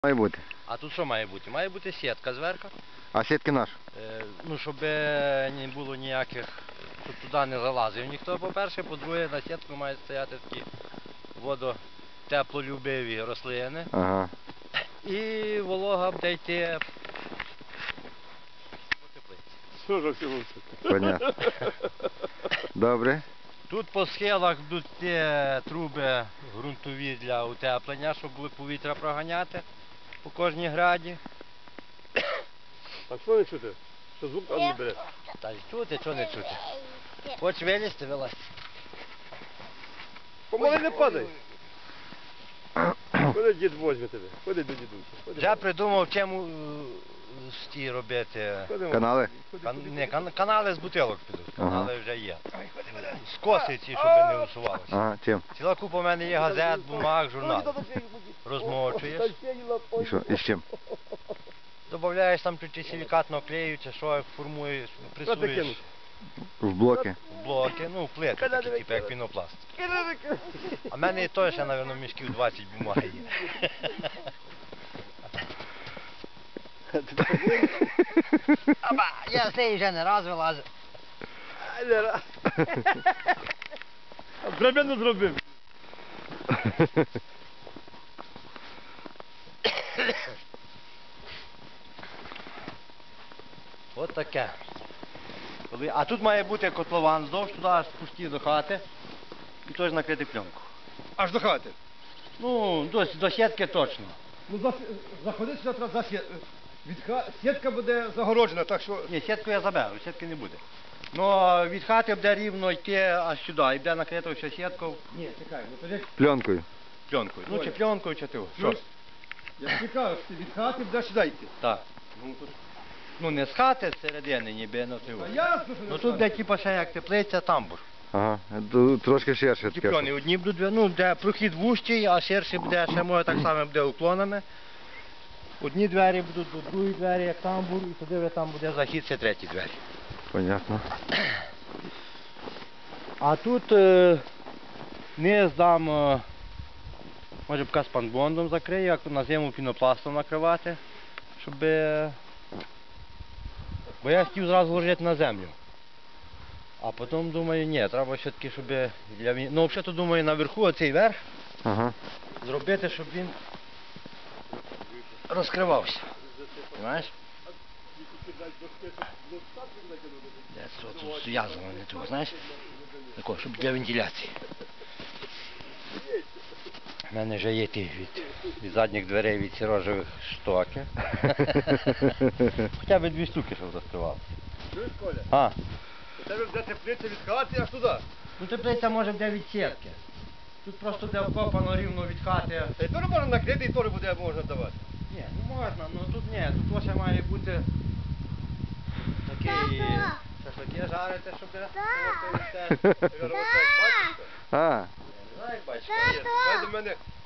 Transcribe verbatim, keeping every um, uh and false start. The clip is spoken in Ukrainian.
Має бути. А тут що має бути? Має бути сітка зверху. А сітки наш? Е, ну, щоб не було ніяких, щоб туди не залазив ніхто, по-перше, по-друге, на сітку мають стояти такі водотеплолюбиві рослини. Ага. І волога буде йти по теплиці. Що ж всього це? Понятно. Добре. Тут по схилах будуть ті труби ґрунтові для утеплення, щоб повітря проганяти по кожній граді. А що не чути? Що звук там не бере? Та й чути, що не чути. Хочеш вилізти, вилазь. Помали не падай. Ходи, дід возьме тебе. Ходи до дідуся. Вже придумав, чим ті робити. Канали? Кан... Не, кан... канали з бутилок підуть, канали Ага. вже є. Скоси ці, щоб не усувалося. Ага, чим? Ціла купа в мене є газет, бумаг, журнал. Розмочуєш, І що? І з чим? додаєш там чуть силікатного клею, чи що, формуєш, пресуєш В блоки. в блоки, ну, в плити такі, типу, як пінопласт. А в мене і то ще, мабуть, мішків двадцять бумаги є. Аба, я з неї вже не раз вилазив. Драбину зробив. От таке. Коли... А тут має бути котлован здовж, туди аж пусті до хати. І теж накрити пленку. Аж до хати. Ну, до, до сітки точно. Ну, за, заходи сюди, треба за сітку. Від ха... Сітка буде загороджена, так що... Ні, сітку я заберу, сітки не буде. Ну, а від хати буде рівно йти аж сюди, і буде накрито все сіткою. Ні, чекай, ну тоді... Пленкою. Пленкою. Ну, чи пленкою, чи ти. Що? Я чекаю, що ти від хати будеш сюди йти. Так. Ну, тут... Ну, не з хати, з середини, ніби, ну, ти. А ясно, що Ну, тут буде, типу, ще як теплиця, тамбур. Ага. Тут трошки ширше таке. Діпльони одні будуть, ну, де прохід вущий, а ширший буде, ще може так само буде уклонами. Одні двері будуть, до другі двері, як тамбур, і туди там буде захід, це треті двері. Понятно. А тут е, низ дам, е, може б спанбондом закрию, як на зиму пінопластом накривати, щоб... Е, бо я хотів зразу ложити на землю. А потім думаю, ні, треба все-таки, щоб для він... Ну, взагалі, думаю, наверху оцей верх Ага. зробити, щоб він розкривався. Понимаєш? Де це тут зв'язано, не того, знаєш? Тако, щоб для вентиляції. У мене вже є ті від, від задніх дверей від сірожевих штоки. Хоча б дві штуки, щоб розкривалося. Чуєш, Коля? А, У тебе буде теплиця від хати аж туди. ну теплиця може буде від сітки. Тут просто де вкопано рівно від хати. Та й теж можна накрити, і теж буде можна давати. Ні, ну можна, ну тут ні, тут лише має бути такий шашлики жарити, щоб Я говорю, так, бачиш? А. як бачиш. Хай до мене